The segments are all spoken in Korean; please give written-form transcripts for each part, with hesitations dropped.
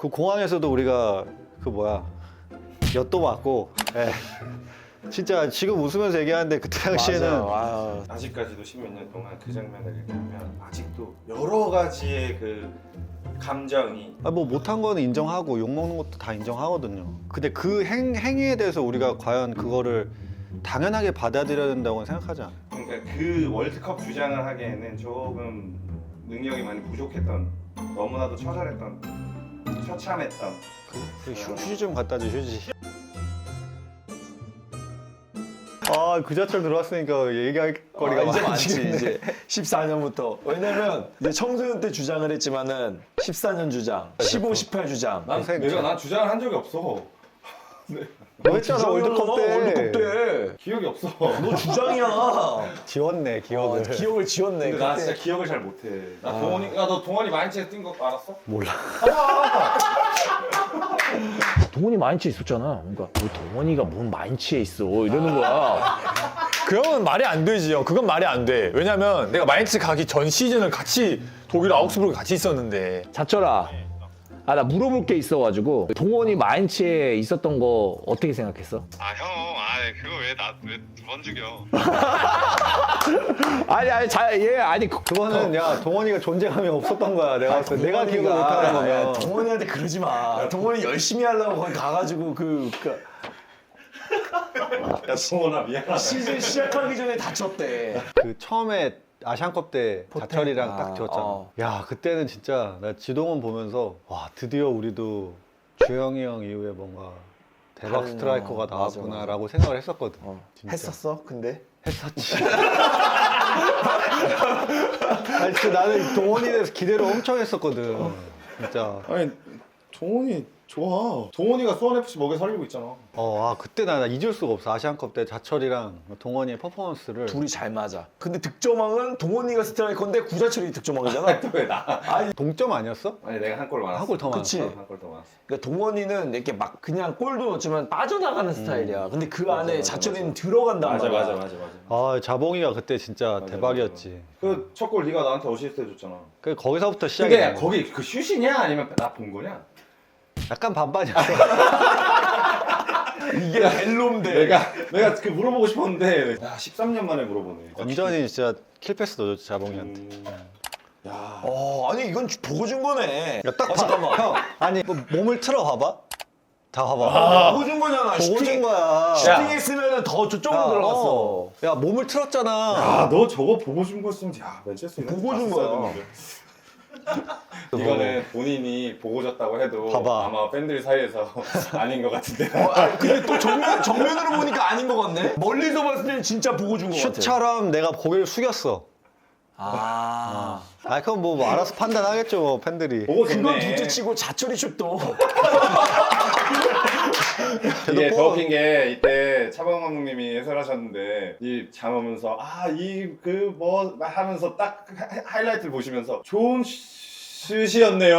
그 공항에서도 우리가 그 뭐야 엿도 맞고 예. 진짜 지금 웃으면서 얘기하는데 그때 당시에는 맞아. 아직까지도 십몇 년 동안 그 장면을 얘기하면 아직도 여러 가지의 그 감정이 뭐 못한 거는 인정하고 욕먹는 것도 다 인정하거든요. 근데 그 행위에 대해서 우리가 과연 그거를 당연하게 받아들여야 된다고는 생각하지 않아요. 그러니까 그 월드컵 주장을 하기에는 조금 능력이 많이 부족했던 너무나도 처절했던 처참했던 휴지 좀 갖다 줘 휴지. 그 자철 들어왔으니까 얘기할 거리가 이제 많지 많아지겠네. 이제 14년부터. 왜냐면 이제 청소년 때 주장을 했지만은 14년 주장, 15, 18 주장. 난 주장을 한 적이 없어. 너 했잖아 월드컵 때. 월드컵 때. 기억이 없어. 너 주장이야. 지웠네 기억을. 기억을 지웠네. 근데 나 그때. 진짜 기억을 잘 못해. 나 동원이, 야 너 동원이 마인츠에 뛴 거 알았어? 몰라. 동원이 마인츠에 있었잖아. 그러니까 뭐 동원이가 뭔 마인츠에 있어 이러는 거야. 그러면 말이 안 되지요. 그건 말이 안 돼. 왜냐면 내가 마인츠 가기 전 시즌을 같이 독일 아우크스부르크 같이 있었는데. 자철아, 나 물어볼 게 있어가지고 동원이 마인츠에 있었던 거 어떻게 생각했어? 그거 왜 두 번 죽여? 아니 그거는 야 동원이가 존재감이 없었던 거야. 내가 봤을 때 내가 기억을 못하는 거면. 동원이한테 그러지 마. 동원이 열심히 하려고 거기 가가지고 야 동원아 미안하다. 시즌 시작하기 전에 다쳤대. 그 처음에 아시안컵 때 자철이랑 딱 지었잖아. 야 그때는 진짜 나 지동원 보면서 와 드디어 우리도 주영이 형 이후에 뭔가 대박 다른, 스트라이커가 맞아, 나왔구나라고 생각을 했었거든. 진짜. 했었어? 근데? 했었지. 아니 진짜 나는 동원이에 대해서 기대를 엄청 했었거든. 진짜. 아니 동원이 좋아. 동원이가 수원FC 먹여 살리고 있잖아. 그때 나 잊을 수가 없어. 아시안컵 때 자철이랑 동원이의 퍼포먼스를. 둘이 잘 맞아. 근데 득점왕은 동원이가 스트라이커인데 구자철이 득점왕이잖아. 왜 나? 동점 아니었어? 아니 내가 한 골 많았어. 한 골 더 그치? 많았어. 한 골 더 많았어. 그러니까 동원이는 이렇게 막 그냥 골도 넣지만 빠져나가는 스타일이야. 근데 그 맞아, 안에 맞아, 자철이는 맞아. 들어간단 말이야. 맞아. 자봉이가 그때 진짜 맞아, 대박이었지. 그 첫 골 네가 나한테 어시스트 해줬잖아. 그 거기서부터 시작이. 그게 거기 그 슛이냐 아니면 나 본 거냐? 약간 반반이었어. 이게 벨롬데. 내가 그 물어보고 싶었는데 야 13년 만에 물어보네. 완전히 진짜 킬패스 넣어줬지 자봉이한테. 야. 아니 이건 보고 준 거네. 야, 딱 잠깐만. 형, 아니 뭐 몸을 틀어 봐봐. 다 봐봐. 보고 준 거잖아. 보고 준 거야. 슈팅했으면 더 저쪽으로 들어갔어. 야 몸을 틀었잖아. 야, 너 저거 보고 준 거였으면 야 맨체스터 유나이티드 보고 준 갔었어야 거야. 되는데. 이거는 본인이 보고 줬다고 해도 봐봐. 아마 팬들 사이에서 아닌 것 같은데. 근데 또 정면으로 보니까 아닌 것 같네. 멀리서 봤을 때는 진짜 보고 준 거 같아. 슛처럼 내가 고개를 숙였어. 그럼 뭐 알아서 판단하겠죠 뭐, 팬들이. 보고 그건 줬네. 둘째치고 자철이 슛도. 이게 더 웃긴 게 이때 차범 감독님이 해설하셨는데 이 잠오면서 이 그 뭐 하면서 딱 하이라이트를 보시면서 좋은 슛이었네요.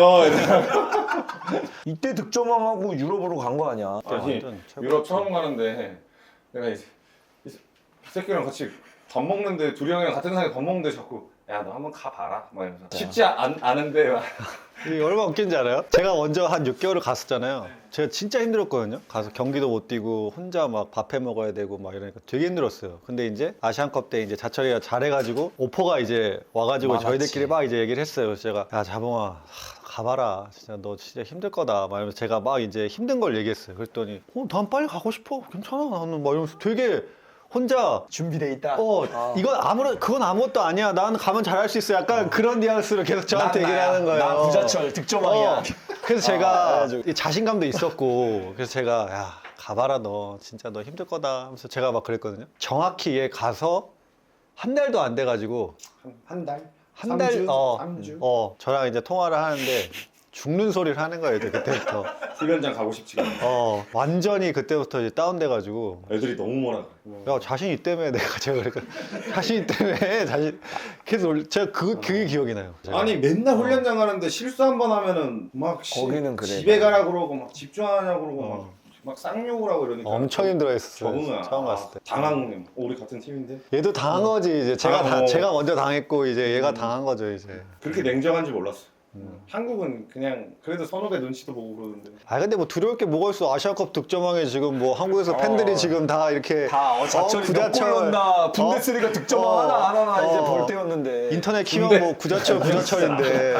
이때 득점왕하고 유럽으로 간 거 아니야? 아니 완전 최고. 유럽 처음 가는데 내가 이 새끼랑 같이 밥 먹는데 둘이 형이랑 같은 상에 밥 먹는데 자꾸 야 너 한번 가봐라 막 이러면서 쉽지 않은데 막. 이게 얼마나 웃긴지 알아요? 제가 먼저 한 6개월을 갔었잖아요. 제가 진짜 힘들었거든요. 가서 경기도 못 뛰고 혼자 막 밥 해 먹어야 되고 막 이러니까 되게 힘들었어요. 근데 이제 아시안컵 때 이제 자철이가 잘해가지고 오퍼가 이제 와가지고 많았지. 저희들끼리 막 이제 얘기를 했어요. 그래서 제가 야 자봉아 가봐라. 진짜 너 진짜 힘들 거다. 막 이러면서 제가 막 이제 힘든 걸 얘기했어요. 그랬더니 난 빨리 가고 싶어. 괜찮아. 나는 막 이러면서 되게 혼자 준비돼 있다. 그건 아무것도 아니야. 나는 가면 잘할 수 있어. 약간 그런 뉘앙스로 계속 저한테 얘기를 하는 거예요. 나 구자철 득점왕이야. 그래서 제가 이 자신감도 있었고, 그래서 제가 야 가봐라 너 진짜 너 힘들 거다 하면서 제가 막 그랬거든요. 정확히 얘 가서 한 달도 안 돼가지고 한 달? 한 달, 3주? 저랑 이제 통화를 하는데 죽는 소리를 하는 거예요. 이제 그때부터. 훈련장 가고 싶지가 않아. 완전히 그때부터 이제 다운돼가지고. 애들이 너무 뭐라. 야 자신 있다며 제가 그러니까 자신 있다며 계속 제가 그게 기억이 나요. 제가. 아니 맨날 훈련장 가는데 실수 한 번 하면은 막 거기는 그래. 집에 가라 그러고 막 집중하냐 그러고 막 쌍욕을 하고 이러니까 엄청 힘들어했었어요. 적응을 처음 갔을 때. 당한 우리 같은 팀인데 얘도 당한 거지 이제 당하고. 제가 먼저 당했고 이제 얘가 당한 거죠 이제. 그렇게 냉정한지 몰랐어. 한국은 그냥 그래도 선후배 눈치도 보고 그러는데. 아 근데 뭐 두려울 게 뭐가 있어. 아시아컵 득점왕에 지금 뭐 한국에서 팬들이 지금 다 이렇게 자철이 몇 골 넣나 분데스리가 득점왕 하나 안 하나 이제 볼 때였는데 인터넷 키면 뭐 구자철인데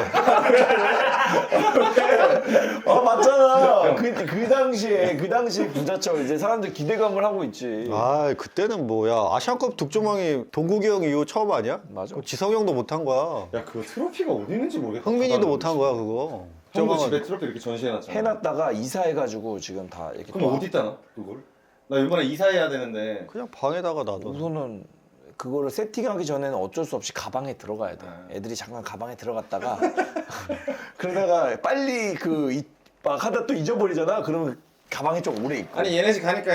맞잖아. 그 당시에 구자철 이제 사람들 기대감을 하고 있지. 아 그때는 뭐야 아시안컵 득점왕이 동국이 형 이후 처음 아니야? 맞아. 그거 지성이 형도 못한 거야. 야 그거 트로피가 어디 있는지 모르겠다. 흥민이도 못한 거야 그거. 형도 득점왕은- 집에 트로피 이렇게 전시해놨잖아. 해놨다가 이사해가지고 지금 다 이렇게. 그럼 어디 있다 놔 그걸? 나 이번에 이사해야 되는데. 그냥 방에다가 놔둬. 우선은 그거를 세팅하기 전에는 어쩔 수 없이 가방에 들어가야 돼. 애들이 잠깐 가방에 들어갔다가 그러다가 빨리 막 하다 또 잊어버리잖아. 그러면 가방에 좀 오래 있고. 아니 얘네 집 가니까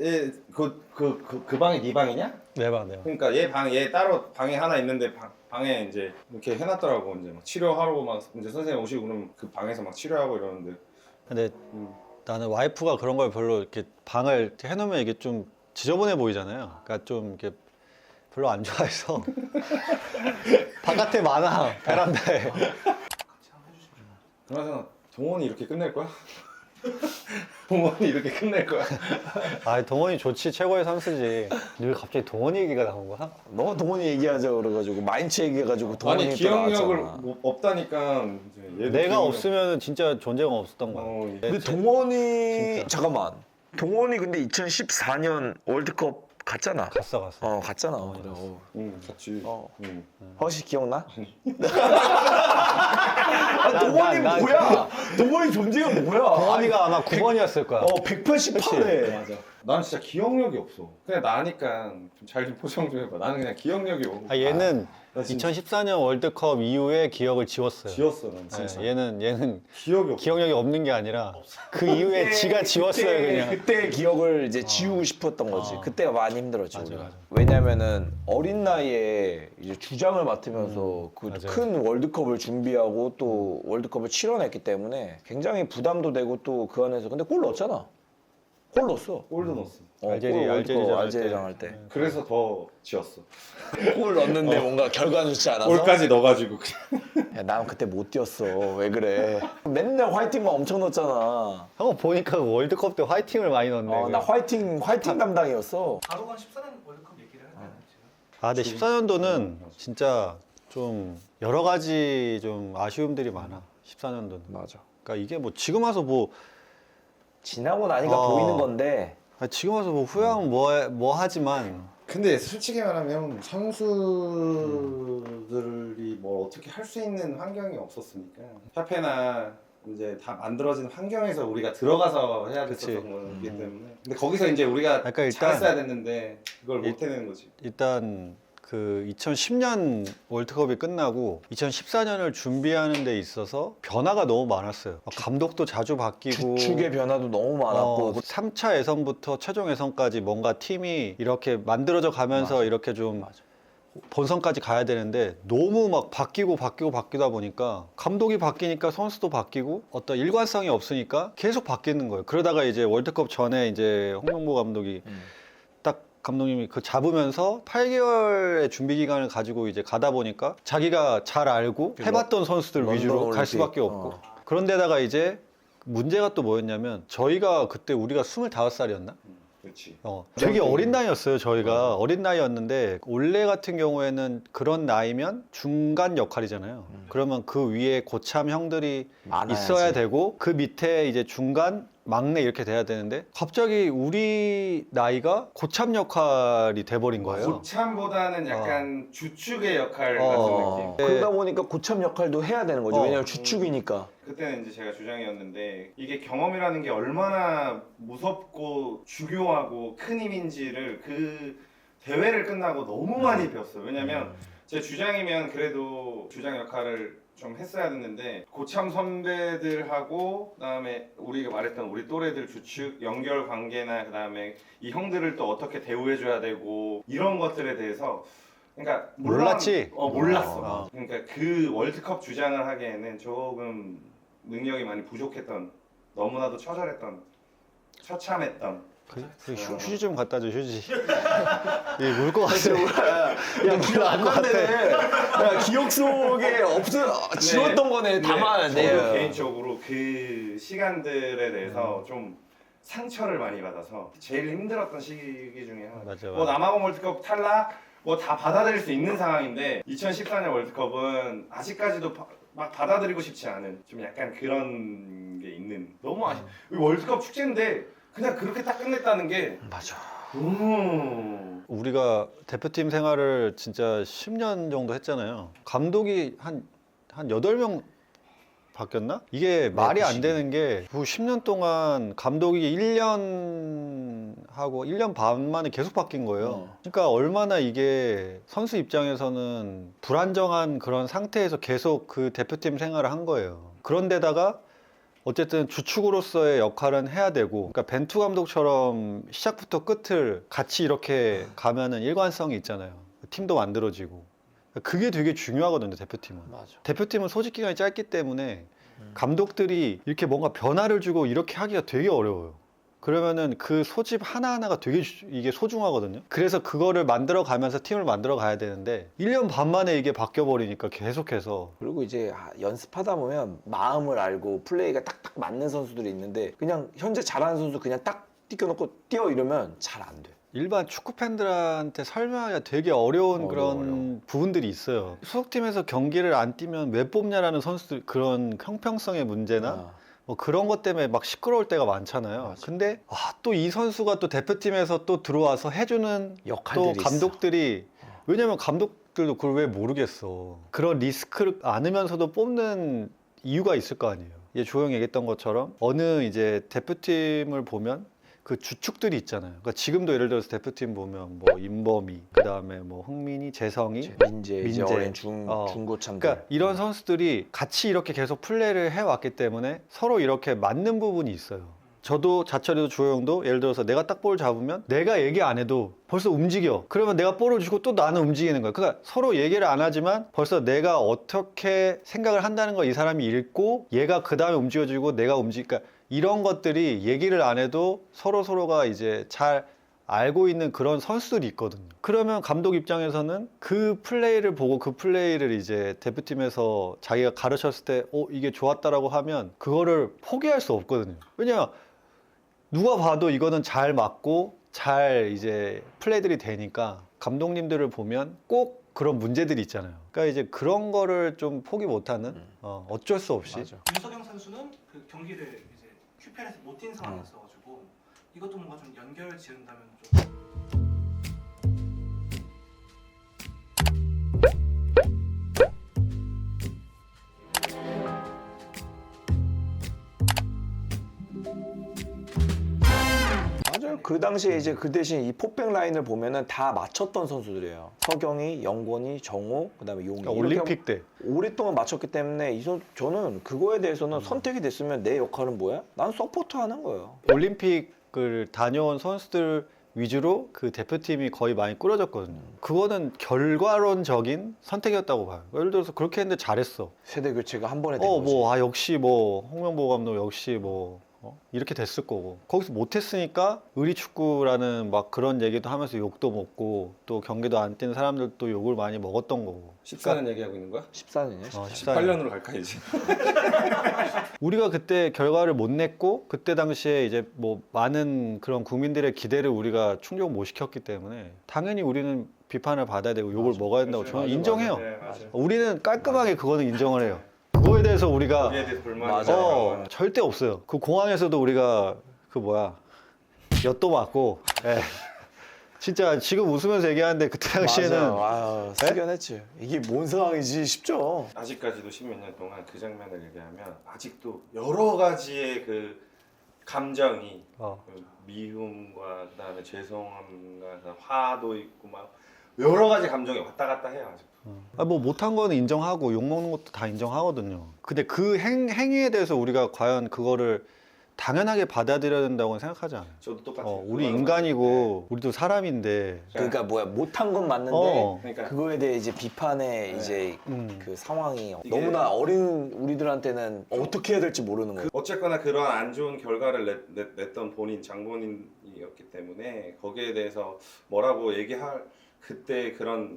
그 방이 네 방이냐? 네 방, 네 방. 그러니까 얘 따로 방에 하나 있는데 방에 이제 이렇게 해놨더라고. 이제 막 치료하러 막 이제 선생님 오시고 그러면 그 방에서 막 치료하고 이러는데. 근데 나는 와이프가 그런 걸 별로 이렇게 방을 이렇게 해놓으면 이게 좀 지저분해 보이잖아요. 그러니까 좀 이렇게 별로 안 좋아해서 바깥에 많아 베란다에. 그나저나 동원이 이렇게 끝낼 거야? 동원이 이렇게 끝낼 거야? 아 동원이 좋지 최고의 선수지. 늘 갑자기 동원이 얘기가 나온 거야? 너 동원이 얘기하자 그래가지고 마인츠 얘기해가지고 동원이 아니 또 기억력을 나왔잖아. 뭐 없다니까. 이제 얘도 내가 기억력- 없으면 진짜 존재가 없었던 거야. 근데 동원이 잠깐만. 동원이 근데 2014년 월드컵 갔잖아. 갔어. 갔잖아. 그래. 응 같이. 응. 혹시 기억나? 동원이 뭐야? 동원이 존재가 뭐야? 동원이가 아마 9번이었을 거야. 188회. 맞아. 난 진짜 기억력이 없어. 그냥 나니까 좀 잘 좀 포장 좀 해봐. 나는 그냥 기억력이 없고. 아, 얘는 나 진짜 2014년 월드컵 이후에 기억을 지웠어요. 지웠어 난 진짜. 네, 얘는 기억이 없어. 기억력이 없는 게 아니라 그 이후에 지가 지웠어요 그냥. 그때 기억을 이제 지우고 싶었던 거지. 그때가 많이 힘들었지. 맞아, 우리가. 맞아. 왜냐면은 어린 나이에 이제 주장을 맡으면서 그 맞아요. 큰 월드컵을 준비하고 또 월드컵을 치러냈기 때문에 굉장히 부담도 되고 또 그 안에서 근데 골 넣었잖아. 골 넣었어. 골도 넣었어. 알제리랑 할 때. 그래서 더 지웠어. 골 넣었는데 뭔가 결과는 좋지 않아서. 골까지 넣어가지고. 야, 난 그때 못 뛰었어. 왜 그래? 맨날 화이팅만 엄청 넣었잖아. 형 보니까 그 월드컵 때 화이팅을 많이 넣었네. 나 화이팅 담당이었어. 바로간 14년 월드컵 얘기를 하잖아요 지금. 아 근데 14년도는 진짜 좀 여러 가지 좀 아쉬움들이 많아. 14년도는. 맞아. 그러니까 이게 뭐 지금 와서 뭐 지나고 나니까 보이는 건데. 지금 와서 뭐 후회하면 뭐 하지만 근데 솔직히 말하면 선수들이 뭐 어떻게 할 수 있는 환경이 없었으니까 협회나 이제 다 만들어진 환경에서 우리가 들어가서 해야 됐었던 그치. 거기 때문에 근데 거기서 이제 우리가 그러니까 일단- 잘했어야 됐는데 그걸 못 해내는 거지. 일단 그 2010년 월드컵이 끝나고 2014년을 준비하는 데 있어서 변화가 너무 많았어요. 감독도 자주 바뀌고 주축의 변화도 너무 많았고 3차 예선부터 최종 예선까지 뭔가 팀이 이렇게 만들어져 가면서 이렇게 좀 본선까지 가야 되는데 너무 막 바뀌다 보니까 감독이 바뀌니까 선수도 바뀌고 어떤 일관성이 없으니까 계속 바뀌는 거예요. 그러다가 이제 월드컵 전에 이제 홍명보 감독이 딱 감독님이 그 잡으면서 8개월의 준비 기간을 가지고 이제 가다 보니까 자기가 잘 알고 해봤던 선수들 런던 위주로 갈 올림픽. 수밖에 없고 그런데다가 이제 문제가 또 뭐였냐면 저희가 그때 우리가 25살이었나? 그렇지. 되게 어린 나이였어요 저희가. 어린 나이였는데 올레 같은 경우에는 그런 나이면 중간 역할이잖아요. 그러면 그 위에 고참 형들이 많아야지. 있어야 되고 그 밑에 이제 중간 막내 이렇게 돼야 되는데 갑자기 우리 나이가 고참 역할이 돼버린 거예요. 고참보다는 약간 주축의 역할 어. 같은 느낌. 그러다 보니까 고참 역할도 해야 되는 거지. 왜냐면 주축이니까. 그때는 이제 제가 주장이었는데 이게 경험이라는 게 얼마나 무섭고 중요하고 큰 힘인지를 그 대회를 끝나고 너무 많이 배웠어요. 왜냐면 제 주장이면 그래도 주장 역할을 좀 했어야 됐는데 고참 선배들하고 그다음에 우리가 말했던 우리 또래들 주축 연결 관계나 그다음에 이 형들을 또 어떻게 대우해줘야 되고 이런 것들에 대해서 그러니까 물론- 몰랐지? 몰랐어. 그러니까 그 월드컵 주장을 하기에는 조금 능력이 많이 부족했던 너무나도 처참했던 휴지 좀 갖다 줘 휴지. 울 것 같아. 야 기억 안 난다네. 야 기억 속에 지웠던 거네. 저도 담아내. 개인적으로 그 시간들에 대해서 좀 상처를 많이 받아서 제일 힘들었던 시기 중에 하나. 맞아, 뭐 맞아. 남아공 월드컵 탈락 뭐 다 받아들일 수 있는 상황인데 2014년 월드컵은 아직까지도 막 받아들이고 싶지 않은 좀 약간 그런 게 있는 너무 월드컵 축제인데 그냥 그렇게 딱 끝냈다는 게 맞아. 우리가 대표팀 생활을 진짜 10년 정도 했잖아요. 감독이 한 8명 바뀌었나? 이게 말이 안 되는 게 10년 동안 감독이 1년 하고 1년 반 만에 계속 바뀐 거예요. 그러니까 얼마나 이게 선수 입장에서는 불안정한 그런 상태에서 계속 그 대표팀 생활을 한 거예요. 그런데다가 어쨌든 주축으로서의 역할은 해야 되고, 그러니까 벤투 감독처럼 시작부터 끝을 같이 이렇게 가면은 일관성이 있잖아요. 팀도 만들어지고. 그게 되게 중요하거든요, 대표팀은. 맞아. 대표팀은 소집 기간이 짧기 때문에 감독들이 이렇게 뭔가 변화를 주고 이렇게 하기가 되게 어려워요. 그러면은 그 소집 하나하나가 되게 이게 소중하거든요. 그래서 그거를 만들어 가면서 팀을 만들어 가야 되는데 1년 반 만에 이게 바뀌어 버리니까 계속해서. 그리고 이제 연습하다 보면 마음을 알고 플레이가 딱딱 맞는 선수들이 있는데 그냥 현재 잘하는 선수 그냥 딱 띄워놓고 뛰어 이러면 잘 안 돼. 일반 축구 팬들한테 설명하기가 되게 어려운 그런 어려워. 부분들이 있어요. 소속팀에서 경기를 안 뛰면 왜 뽑냐라는 선수들, 그런 형평성의 문제나 뭐 그런 것 때문에 막 시끄러울 때가 많잖아요. 맞아. 근데 또 이 선수가 또 대표팀에서 또 들어와서 해주는 역할들이 또 감독들이 왜냐면 감독들도 그걸 왜 모르겠어. 그런 리스크를 안으면서도 뽑는 이유가 있을 거 아니에요. 이제 조용히 얘기했던 것처럼 어느 이제 대표팀을 보면 그 주축들이 있잖아요. 그러니까 지금도 예를 들어서 대표팀 보면 뭐 임범이, 그 다음에 뭐 흥민이, 재성이, 민재, 이제 민재. 어린 중고참들. 그러니까 이런 선수들이 같이 이렇게 계속 플레이를 해왔기 때문에 서로 이렇게 맞는 부분이 있어요. 저도 자철이도 주호영도 예를 들어서 내가 딱 볼 잡으면 내가 얘기 안 해도 벌써 움직여. 그러면 내가 볼을 주고 또 나는 움직이는 거야. 그러니까 서로 얘기를 안 하지만 벌써 내가 어떻게 생각을 한다는 걸 이 사람이 읽고 얘가 그 다음에 움직여주고 내가 움직이니까 이런 것들이 얘기를 안 해도 서로가 이제 잘 알고 있는 그런 선수들이 있거든요. 그러면 감독 입장에서는 그 플레이를 보고 그 플레이를 이제 대표팀에서 자기가 가르쳤을 때 이게 좋았다라고 하면 그거를 포기할 수 없거든요. 왜냐면 누가 봐도 이거는 잘 맞고 잘 이제 플레이들이 되니까 감독님들을 보면 꼭 그런 문제들이 있잖아요. 그러니까 이제 그런 거를 좀 포기 못하는 어쩔 수 없이. 맞아. 윤석영 선수는 그 경기를 이제 QPL에서 못 뛴 상황이었어가지고 이것도 뭔가 좀 연결 지은다면 좀. 맞아요. 그 당시에 이제 그 대신 이 포백 라인을 보면은 다 맞췄던 선수들이에요. 서경이, 영권이, 정호, 그다음에 용이. 그러니까 올림픽 때. 오랫동안 맞췄기 때문에 저는 그거에 대해서는 선택이 됐으면 내 역할은 뭐야? 난 서포트 하는 거예요. 올림픽을 다녀온 선수들 위주로 그 대표팀이 거의 많이 꾸려졌거든요. 그거는 결과론적인 선택이었다고 봐요. 예를 들어서 그렇게 했는데 잘했어. 세대 교체가 한 번에 된 거지. 역시 홍명보 감독 역시 이렇게 됐을 거고. 거기서 못했으니까 의리축구라는 막 그런 얘기도 하면서 욕도 먹고 또 경기도 안 뛰는 사람들도 욕을 많이 먹었던 거고. 14년 얘기하고 있는 거야? 14년이요? 14년. 8년으로 갈까 이제? 우리가 그때 결과를 못 냈고 그때 당시에 이제 뭐 많은 그런 국민들의 기대를 우리가 충족 못 시켰기 때문에 당연히 우리는 비판을 받아야 되고 욕을 먹어야 된다고 저는 인정해요. 네, 맞아요. 우리는 깔끔하게 그거는 인정을 해요. 그거에 대해서 우리가 거기에 대해서 불만이 맞아요. 절대 없어요. 그 공항에서도 우리가 엿도 맞고 진짜 지금 웃으면서 얘기하는데 그때 당시에는 맞아. 숙연했지. 이게 뭔 상황이지 싶죠. 아직까지도 십몇 년 동안 그 장면을 얘기하면 아직도 여러 가지의 그 감정이 그 미움과 그다음에 죄송함과 화도 있고 막 여러 가지 감정이 왔다 갔다 해요. 아직. 뭐 못한 거는 인정하고 욕먹는 것도 다 인정하거든요. 근데 그 행위에 대해서 우리가 과연 그거를 당연하게 받아들여야 된다고 생각하지 않아요. 저도 똑같아요. 우리 인간이고 우리도 사람인데 그러니까 뭐야 못한 건 맞는데 그러니까 그거에 대해 이제 비판의 이제 음. 그 상황이 이게- 너무나 어린 우리들한테는 어떻게 해야 될지 모르는 거예요. 어쨌거나 그런 안 좋은 결과를 냈던 장본인이었기 때문에 거기에 대해서 뭐라고 얘기할 그때 그런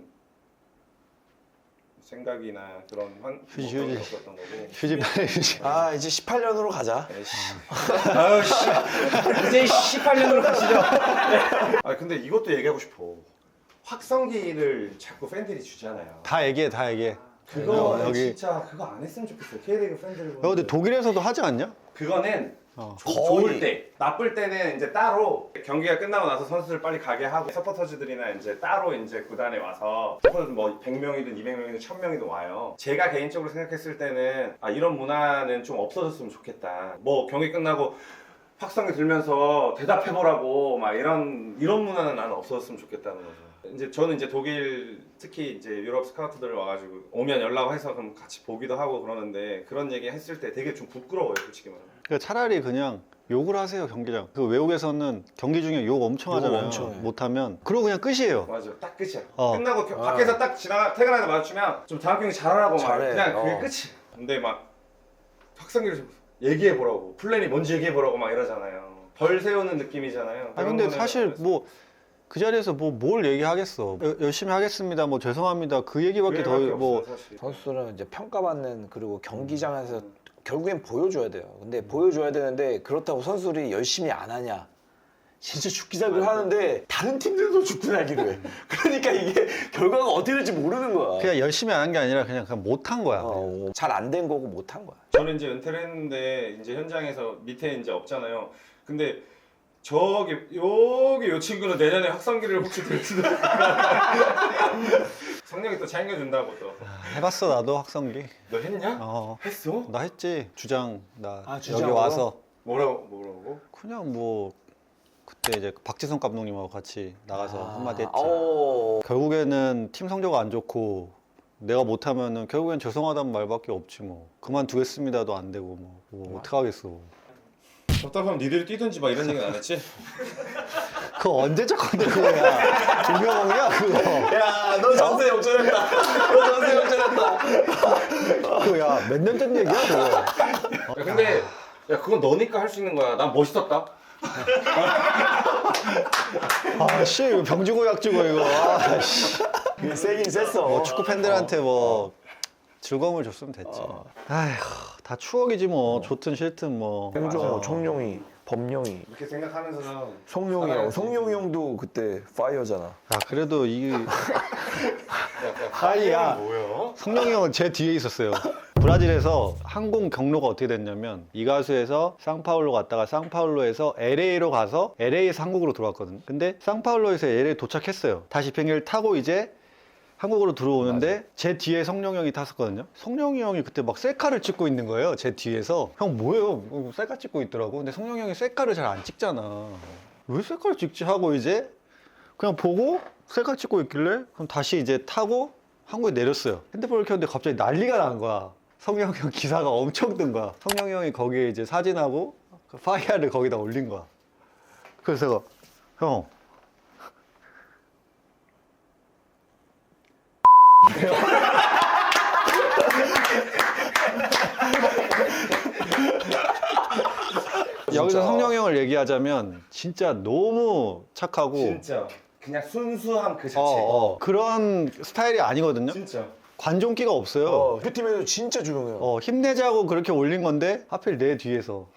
생각이나 그런 휴지. 그런 게 없었던 거고. 휴지 빨리 휴지. 아 이제 18년으로 가자. 아유 씨. 이제 18년으로 가시죠. 아 근데 이것도 얘기하고 싶어. 확성기를 자꾸 팬들이 주잖아요. 다 얘기해. 그거 여기. 진짜 그거 안 했으면 좋겠어. K리그 팬들. 근데 독일에서도 하지 않냐? 그거는 거의. 좋을 때, 나쁠 때는 이제 따로 경기가 끝나고 나서 선수들 빨리 가게 하고 서포터즈들이나 이제 따로 이제 구단에 와서 서포터즈 뭐 100명이든 200명이든 1000명이든 와요. 제가 개인적으로 생각했을 때는 아 이런 문화는 좀 없어졌으면 좋겠다. 뭐 경기 끝나고 확성기 들면서 대답해보라고 막 이런 문화는 나는 없어졌으면 좋겠다는 거죠. 이제 저는 이제 독일 특히 이제 유럽 스카우트들 와가지고 오면 연락해서 그럼 같이 보기도 하고 그러는데 그런 얘기 했을 때 되게 좀 부끄러워요, 솔직히 말하면. 그러니까 차라리 그냥 욕을 하세요 경기장. 그 외국에서는 경기 중에 욕 엄청 욕 하잖아요. 엄청 해. 못하면 그러고 그냥 끝이에요. 맞아, 딱 끝이야. 어. 끝나고 밖에서 딱 퇴근하다 마주치면 좀 다음 경기 잘하라고 막 잘해. 그냥 그게 어. 끝이야. 근데 막 확성기를 좀 얘기해 보라고 플랜이 뭔지 얘기해 보라고 막 이러잖아요. 벌 세우는 느낌이잖아요. 아 근데 사실 뭐 그 자리에서 뭐 뭘 얘기하겠어. 열심히 하겠습니다. 뭐 죄송합니다. 그 얘기밖에 더 뭐 선수들은 이제 평가받는 그리고 경기장에서 결국엔 보여줘야 돼요. 근데 보여줘야 되는데 그렇다고 선수들이 열심히 안 하냐? 진짜 죽기 살기를 하는데 다른 팀들도 죽기 살기를 해. 그러니까 이게 결과가 어떻게 될지 모르는 거야. 그냥 열심히 안 한 게 아니라 그냥 못한 거야. 잘 안 된 거고 못 한 거야. 저는 이제 은퇴를 했는데 이제 현장에서 밑에 이제 없잖아요. 근데 저기 여기 요 친구는 내년에 확성기를 혹시 들지도 성령이 또 챙겨준다고 또. 해봤어 나도 확성기. 너 했냐? 했어? 나 했지. 주장 나 여기 주장으로? 와서 뭐라고? 그냥 뭐 그때 이제 박지성 감독님하고 같이 나가서 한마디 했지. 오. 결국에는 팀 성적 안 좋고 내가 못하면은 결국엔 죄송하다는 말밖에 없지 뭐. 그만두겠습니다도 안 되고 뭐 어떡하겠어. 답답하면 니들이 뛰든지 막 이런 얘기는 안 했지? 그거 언제적 건데 그거야. 조명이야 그거. 야, 너 전세 역전했다. 너 전세 역전했다. 그거야. 몇 년 전 얘기야 그거. 야, 근데 야 그건 너니까 할 수 있는 거야. 난 멋있었다. 아씨 이거 병주고 약주고 이거. 아, 씨. 그게 세긴 셌어. 뭐 축구 팬들한테 뭐 즐거움을 줬으면 됐지. 아휴 다 추억이지 뭐. 좋든 싫든 뭐. 홍종호, 청룡이, 범룡이, 이렇게 생각하면서는 성룡이 형. 성룡이 형도 그때 파이어잖아. 아 그래도 이 하이야 뭐야? 성룡이 형은 제 뒤에 있었어요. 브라질에서 항공 경로가 어떻게 됐냐면 이가수에서 상파울로 갔다가 상파울로에서 LA로 가서 LA에서 한국으로 들어왔거든요. 근데 상파울로에서 LA 도착했어요. 다시 비행기를 타고 이제 한국으로 들어오는데 제 뒤에 성룡이 형이 탔었거든요. 성룡이 형이 그때 막 셀카를 찍고 있는 거예요. 제 뒤에서. 형 뭐예요? 셀카 찍고 있더라고. 근데 성룡이 형이 셀카를 잘 안 찍잖아. 왜 셀카를 찍지 하고 이제 그냥 보고 셀카 찍고 있길래 그럼 다시 이제 타고 한국에 내렸어요. 핸드폰을 켰는데 갑자기 난리가 난 거야. 성룡이 형 기사가 엄청 뜬 거야. 성룡이 형이 거기에 이제 사진하고 그 파이어를 거기다 올린 거야. 그래서 제가 형 여기서 성룡이 형을 얘기하자면 진짜 너무 착하고 진짜 그냥 순수함 그 자체. 그런 스타일이 아니거든요. 진짜. 관종기가 없어요. 그 팀에도 진짜 조용해요. 힘내자고 그렇게 올린 건데 하필 내 뒤에서.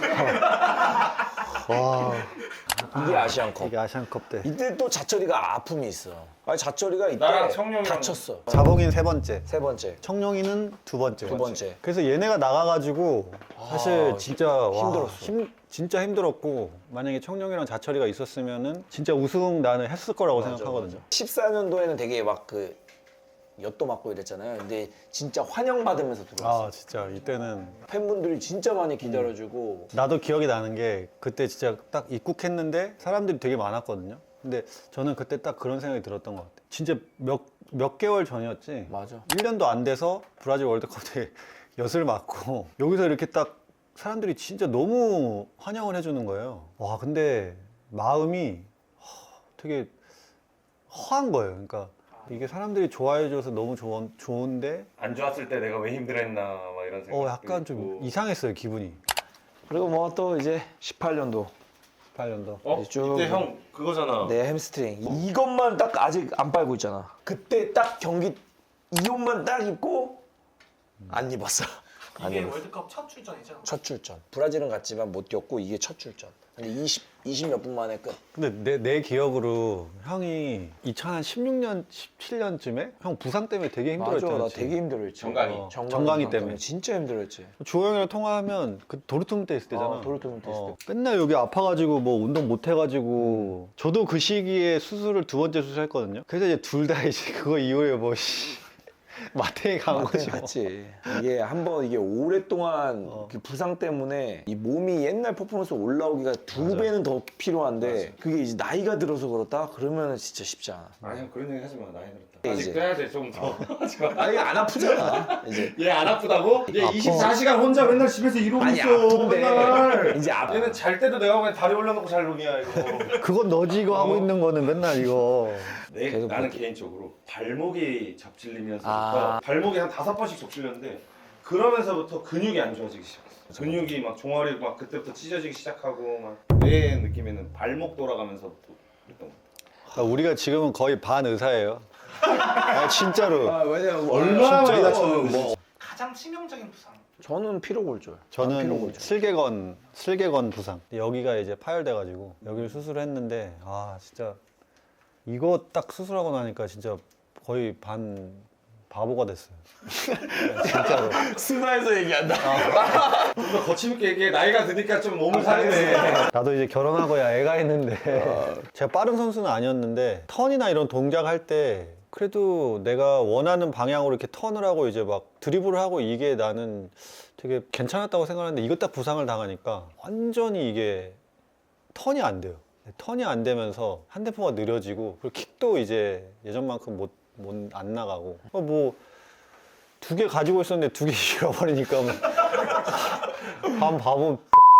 와 이게 아시안컵. 이게 아시안컵 때. 이때 또 자철이가 아픔이 있어. 아니 자철이가 이때 나랑 청룡이랑- 다쳤어. 자봉인 세 번째, 세 번째. 청룡이는 두 번째. 두 번째. 그래서 얘네가 나가가지고 사실 진짜 와, 힘들었어. 진짜 힘들었고 만약에 청룡이랑 자철이가 있었으면은 진짜 우승 나는 했을 거라고 생각하거든요. 14년도에는 되게 막 그 엿도 맞고 이랬잖아요. 근데 진짜 환영받으면서 들어왔어. 아 진짜 이때는 팬분들이 진짜 많이 기다려주고 나도 기억이 나는 게 그때 진짜 딱 입국했는데 사람들이 되게 많았거든요. 근데 저는 그때 딱 그런 생각이 들었던 것 같아요. 진짜 몇 개월 전이었지. 맞아. 1년도 안 돼서 브라질 월드컵 때 엿을 맞고 여기서 이렇게 딱 사람들이 진짜 너무 환영을 해주는 거예요. 와, 근데 마음이 되게 허한 거예요. 그러니까 이게 사람들이 좋아해줘서 너무 좋은데 안 좋았을 때 내가 왜 힘들었나 막 이런 생각. 약간 좀 이상했어요, 기분이. 그리고 뭐 또 이제 18년도 18년도. 쭉 이때 형 그거잖아. 내 햄스트링 이것만 딱 아직 안 빨고 있잖아. 그때 딱 경기 이 옷만 딱 입고 안 입었어. 안 이게 입었어. 월드컵 첫 출전이죠? 첫 출전. 브라질은 갔지만 못 뛰었고 이게 첫 출전. 근데 20 몇 분 만에 끝. 근데 내 기억으로 형이 2016년, 17년쯤에 형 부상 때문에 되게 맞아, 힘들었잖아. 나 되게 힘들었지. 정강이. 정강이 때문에. 진짜 힘들었지. 주호 형이랑 통화하면 그 도르트문트 있을 때잖아. 도르트문트 있을 때. 맨날 여기 아파가지고 뭐 운동 못 해가지고 저도 그 시기에 수술을 2번째 수술했거든요. 그래서 이제 둘 다 이제 그거 이후에 뭐 마탱이 간 거지. 뭐. 맞지. 이게 한번 이게 오랫동안 그 부상 때문에 이 몸이 옛날 퍼포먼스 올라오기가 두 배는 더 필요한데 그게 이제 나이가 들어서 그렇다? 그러면 진짜 쉽지 않아. 아니 형 그런 얘기 하지 마. 나이 들었다. 이제. 아직도 해야 돼 좀 더. 하지 마. 아니 안 아프잖아. 이제 얘 안 아프다고? 얘 24시간 혼자 맨날 집에서 이러고 아니, 있어. 아픈데. 맨날. 이제 아파. 얘는 잘 때도 내가 보기엔 다리 올려놓고 잘 놈이야 이거. 그건 너지 이거 하고 있는 거는 맨날 이거. 계속 나는 개인적으로 발목이 접질리면서부터 아. 발목이 한 5번씩 접질렸는데 그러면서부터 근육이 안 좋아지기 시작했어. 근육이 막 종아리 막 그때부터 찢어지기 시작하고 막 내 느낌에는 발목 돌아가면서부터 그랬던 것 같아. 그러니까 우리가 지금은 거의 반 의사예요. 아, 진짜로. 왜냐면 얼마나 많이 진짜 다쳤는데. 뭐 가장 치명적인 부상. 저는 피로골절. 저는 슬개건 부상. 여기가 이제 파열돼가지고 여기를 수술했는데 아 진짜 이거 딱 수술하고 나니까 진짜 거의 반 바보가 됐어요. 진짜로. 스마에서 얘기한다. 좀 더 거침있게 얘기해. 나이가 드니까 좀 몸을 사리네. 나도 이제 결혼하고야 애가 있는데 제가 빠른 선수는 아니었는데 턴이나 이런 동작 할 때 그래도 내가 원하는 방향으로 이렇게 턴을 하고 이제 막 드리블을 하고 이게 나는 되게 괜찮았다고 생각하는데 이것 딱 부상을 당하니까 완전히 이게 턴이 안 돼요. 턴이 안 되면서 핸드포가 느려지고 그리고 킥도 이제 예전만큼 안 나가고 뭐 2개 가지고 있었는데 2개 잃어버리니까 뭐 반 바보.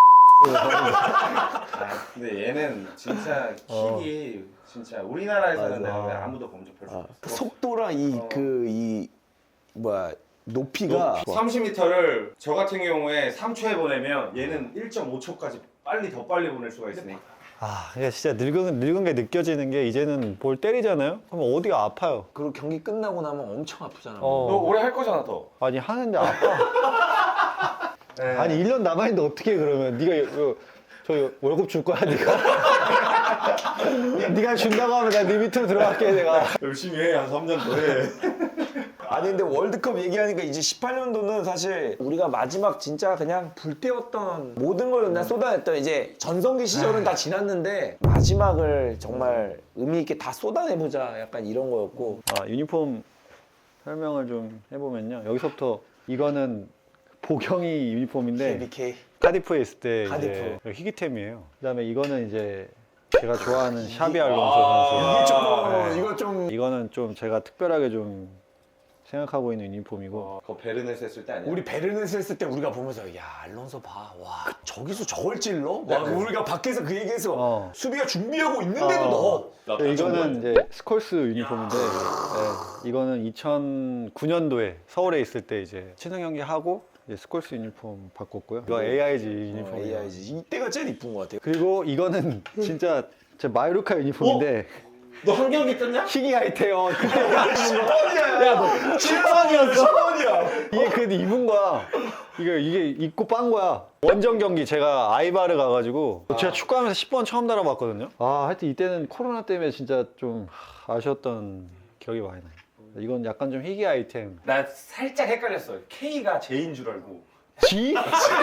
근데 얘는 진짜 킥이 진짜 우리나라에서는 맞아. 내가 보기엔 아무도 범접할 수 없어. 속도랑 이 뭐야 높이가 30m를 저 같은 경우에 3초에 보내면 얘는 1.5초까지 더 빨리 보낼 수가 있으니까. 아, 이게 진짜 늙은 게 느껴지는 게 이제는 볼 때리잖아요? 그럼 어디가 아파요. 그리고 경기 끝나고 나면 엄청 아프잖아. 너 오래 할 거잖아 더. 아니 하는데 아파. 아니 1년 남아있는데 어떻게 그러면 저 월급 줄 거야 네가? 네가 준다고 하면 내가 네 밑으로 들어갈게 내가. 열심히 해. 한 3년 더 해. 아니 근데 월드컵 얘기하니까 이제 18년도는 사실 우리가 마지막 진짜 그냥 불태웠던 모든 걸 그냥 쏟아냈던 이제 전성기 시절은 다 지났는데 마지막을 정말 의미 있게 다 쏟아내보자 약간 이런 거였고 아, 유니폼 설명을 좀 해보면요. 여기서부터 이거는 보경이 유니폼인데 BK 카디프에 있을 때 카디프. 이제 희귀템이에요. 그다음에 이거는 이제 제가 좋아하는 샤비 알론소 선수. 이거 좀 이거는 좀 제가 특별하게 좀 생각하고 있는 유니폼이고 그거 베르네스 했을 때 아니야? 우리 베르네스 했을 때 우리가 보면서 야 알론소 봐, 와 저기서 저걸 찔러? 막 우리가 밖에서 그 얘기해서 수비가 준비하고 있는데도 넣어. 이거는 이제 스콜스 유니폼인데 이거는 2009년도에 서울에 있을 때 이제 친선 경기 하고 이제 스콜스 유니폼 바꿨고요. 이거 AIG 유니폼이에요. AIG 이때가 제일 이쁜 것 같아요. 그리고 이거는 진짜 제 마요르카 유니폼인데 너 한 경기 떴냐? 희귀 아이템. 그때 10번이야. 야 너 7번이었어. 10번이야. 이게 그래도 입은 거야. 이게 입고 빤 거야. 원정 경기 제가 아이바르 가가지고 제가 축구하면서 10번 처음 달아봤거든요. 아 하여튼 이때는 코로나 때문에 진짜 좀 아쉬웠던 기억이 많이 나요. 이건 약간 좀 희귀 아이템. 나 살짝 헷갈렸어. K가 J인 줄 알고. G?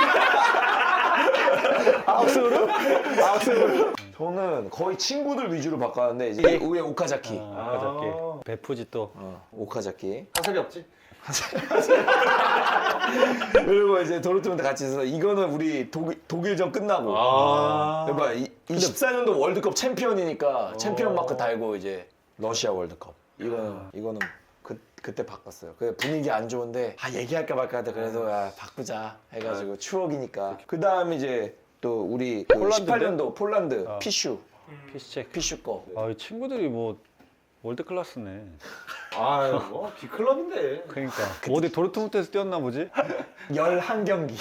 아웃스루? 저는 거의 친구들 위주로 바꿨는데 이제 위에 오카자키. 오카자키. 베푸지 또. 오카자키. 화살이 없지? 그리고 이제 도르트문트 같이 있어서 이거는 우리 독일전 끝나고. 그러니까 24년도 월드컵 챔피언이니까 챔피언 마크 달고 이제 러시아 월드컵. 이거는 그때 바꿨어요. 그 분위기 안 좋은데 얘기할까 말까 하다 그래도 야, 바꾸자 해가지고 추억이니까. 그 다음 이제 또 우리 그 폴란드인데? 18년도 폴란드 아. 피슈 피스체크. 피슈 거. 아, 이 친구들이 뭐 월드 클래스네. 아뭐 B클럽인데. 그러니까 어디 도르트문트에서 뛰었나 보지? 11경기.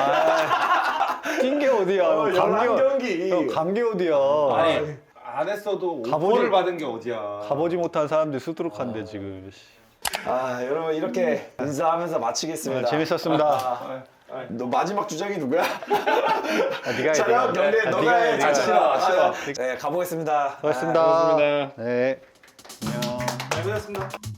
뛴 게 어디야? 감기 11경기. 형, 감기 어디야? 아니 안 했어도 가보지- 오퍼를 받은 게 어디야. 가보지 못한 사람들이 수두룩한데 지금. 여러분 이렇게 인사하면서 마치겠습니다. 재밌었습니다. 너 마지막 주장이 누구야? 네가 해, 촬영 네가. 경례 아, 너가 네가 해, 해. 네가 해. 싫어. 네 가보겠습니다. 고맙습니다. 네. 잘 보셨습니다.